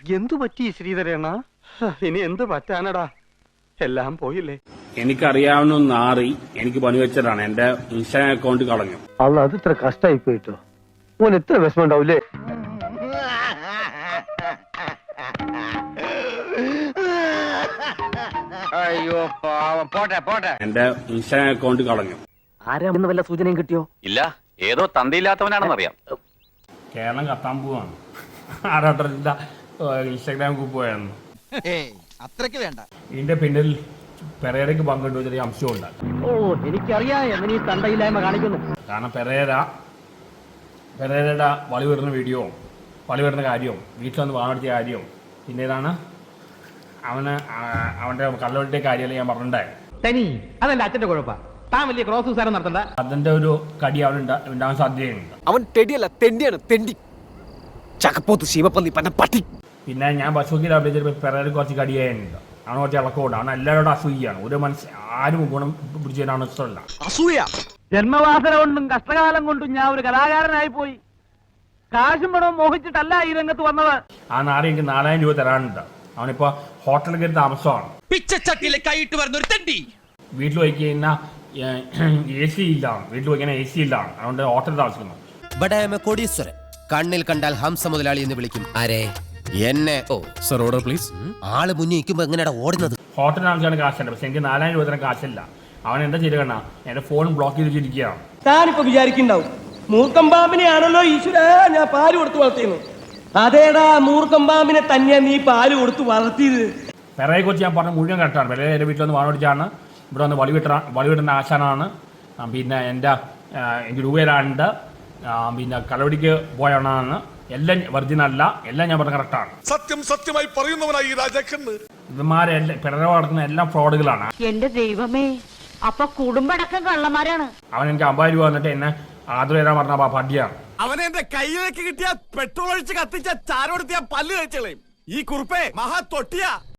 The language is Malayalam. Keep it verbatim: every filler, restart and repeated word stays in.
എന്തു പറ്റി ശ്രീധരേണ? ഇനി എന്ത് പറ്റാനടാ, എല്ലാം പോയില്ലേ. എനിക്കറിയാവുന്ന നാറി എനിക്ക് പണി വെച്ചതാണ്, എന്റെ ഇൻസ്റ്റാഗ്രാം അക്കൗണ്ട് കളഞ്ഞു. അല്ല, അത് ഇത്ര കഷ്ടായി പോയിട്ടോ. ഓൻ എത്ര വിഷമം ഉണ്ടാവൂലേ. അയ്യോ പാവം, പോട്ടെ പോട്ടെ. എന്റെ ഇൻസ്റ്റാഗ്രാം അക്കൗണ്ട് കളഞ്ഞു. ആരാന്ന് വല്ല സൂചനയും കിട്ടിയോ? ഇല്ല, ഏതോ തന്തയില്ലാത്തവനാണെന്നറിയാം. കേരളം കത്താൻ പോവാണ്. ആരാട്ടറില്ല ഇൻസ്റ്റാഗ്രാം ഗ്രൂപ്പ് പോയായിരുന്നു. അത്രയ്ക്ക് വേണ്ട. ഇതിന്റെ പിന്നിൽ പെരേരയ്ക്ക് പങ്കിട്ടു ചെറിയ അംശമുണ്ട്. ഓ, എനിക്കറിയാം എങ്ങനെ ഈ തണ്ടയില്ലായ്മ കാണിക്കുന്നു. കാരണം പെരേര പെരേരയുടെ വളി വിടുന്ന വീഡിയോ, വളി വിടുന്ന കാര്യവും വീട്ടിൽ വന്ന് വാങ്ങിയ കാര്യവും പിന്നെ ഇതാണ് അവന് അവന്റെ കള്ളവെട്ടിയ കാര്യമല്ല ഞാൻ പറഞ്ഞിട്ടുണ്ടായി. തനി അതല്ല അച്ഛന്റെ കുഴപ്പം. താൻ വലിയ ക്രോസ് ഉസാരം നടത്തണ്ട. അതിന്റെ ഒരു കടി അവൻ ഉണ്ടാകാൻ സാധ്യതയുണ്ട്. അവൻ തെടിയല്ല, തെണ്ടിയാണ്, തെണ്ടി ചക്കപ്പോത്ത് ശിവപ്പന്നി പന്ന പട്ടി. പിന്നെ ഞാൻ ബസ്സുക്കിൽ അഭിനയിച്ചപ്പോൾ പെരേര കുറച്ച് കടിയായിട്ടുണ്ട്. അവന് കുറച്ച് ഇളക്കമുണ്ട്. അവൻ എല്ലാവരോടും അസൂയാണ്. ഒരു മനസ്സ് ആരും ഗുണം പിടിച്ചതിനാണ് ഇഷ്ടമല്ല. അസൂയ. ജന്മവാസന കൊണ്ടും കഷ്ടകാലം കൊണ്ടും ഞാൻ ഒരു കലാകാരനായി പോയി. കാശും പണവും മോഹിച്ചിട്ടല്ല ഈ രംഗത്ത് വന്നത്. ആ നാളെ എനിക്ക് നാലായിരം രൂപ തരാനുണ്ട്. അവനിപ്പോ ഹോട്ടലിൽ കയറി താമസമാണ്. പിച്ചച്ചട്ടിയിലെ കൈയിട്ട് വരുന്ന ഒരു തെണ്ടി. വീട്ടിൽ പോയി കഴിഞ്ഞാൽ എ സി ഇല്ലാണ്. വീട്ടിൽ പോയി കഴിഞ്ഞാൽ എ സി ഇല്ലാണ്. അതുകൊണ്ട് ഹോട്ടലിൽ താമസിക്കുന്നു. ബഡായമ കോടീശ്വരൻ. കണ്ണിൽ കണ്ടാൽ ഹംസ മുതലാളി എന്ന് വിളിക്കും. ആരെ? എന്നെ. Oh sir, order please. ആള് മുന്നിൽ നിൽക്കുമ്പോ എങ്ങനെയാ ഓടുന്നത്? ഹോട്ടലിൽ താമസിക്കാൻ കാശുണ്ട്, പക്ഷെ എനിക്ക് നാലായിരം രൂപ തരാൻ കാശില്ല. അവൻ എന്താ ചെയ്ത് കണ്ണ എന്റെ ഫോൺ ബ്ലോക്ക് ചെയ്ത് വെച്ചിരിക്കുകയാണ്. താനിപ്പോ വിചാരിക്കുന്നുണ്ടാവും മൂർക്കമ്പാമ്പിനെയാണല്ലോ ഈശ്വര ഞാൻ പാല് കൊടുത്ത് വളർത്തിയെന്ന്. അതേടാ, മൂർക്കമ്പാമ്പിനെ തന്നെ നീ പാല് കൊടുത്ത് വളർത്തിയത്. പെരയെ കുറിച്ച് ഞാൻ പറഞ്ഞ മുഴുവൻ കറക്റ്റാണ്. പെരയെ എൻ്റെ വീട്ടിൽ വന്ന് വാണോടിച്ചാണ്, ഇവിടെ വന്ന് വളി വിട്ട വളി വിടുന്ന ആശാനാണ്. പിന്നെ എൻ്റെ എനിക്ക് രൂപ തരാനുണ്ട്. പിന്നെ കളവടിക്ക് പോയാണ്. എല്ലാം വെർജിനല്ല, എല്ലാം ഞാൻ പറഞ്ഞ കറക്റ്റാണ്. സത്യം സത്യമായി പറയുന്നവനായി രാജാക്കന്ന്. ഇവന്മാരെല്ലാം പെരയെ നടക്കുന്ന എല്ലാം ഫ്രോഡുകളാണ്. എന്റെ ദൈവമേ, അപ്പൊ കുടുംബടക്കം കള്ളന്മാരാണ്. അവൻ എനിക്ക് അമ്പത് രൂപ വന്നിട്ട് എന്നെ ആദ്യം തരാൻ പറഞ്ഞ പട്ടിയാണ്. അവനെ എന്റെ കയ്യിലേക്ക് കിട്ടിയ പെട്രോൾ ഒഴിച്ച് കത്തിച്ച ചാരോടുത്തിയ പല്ല് കഴിച്ചളയും. ഈ കുറുപ്പേ മഹാ തൊട്ടിയാ.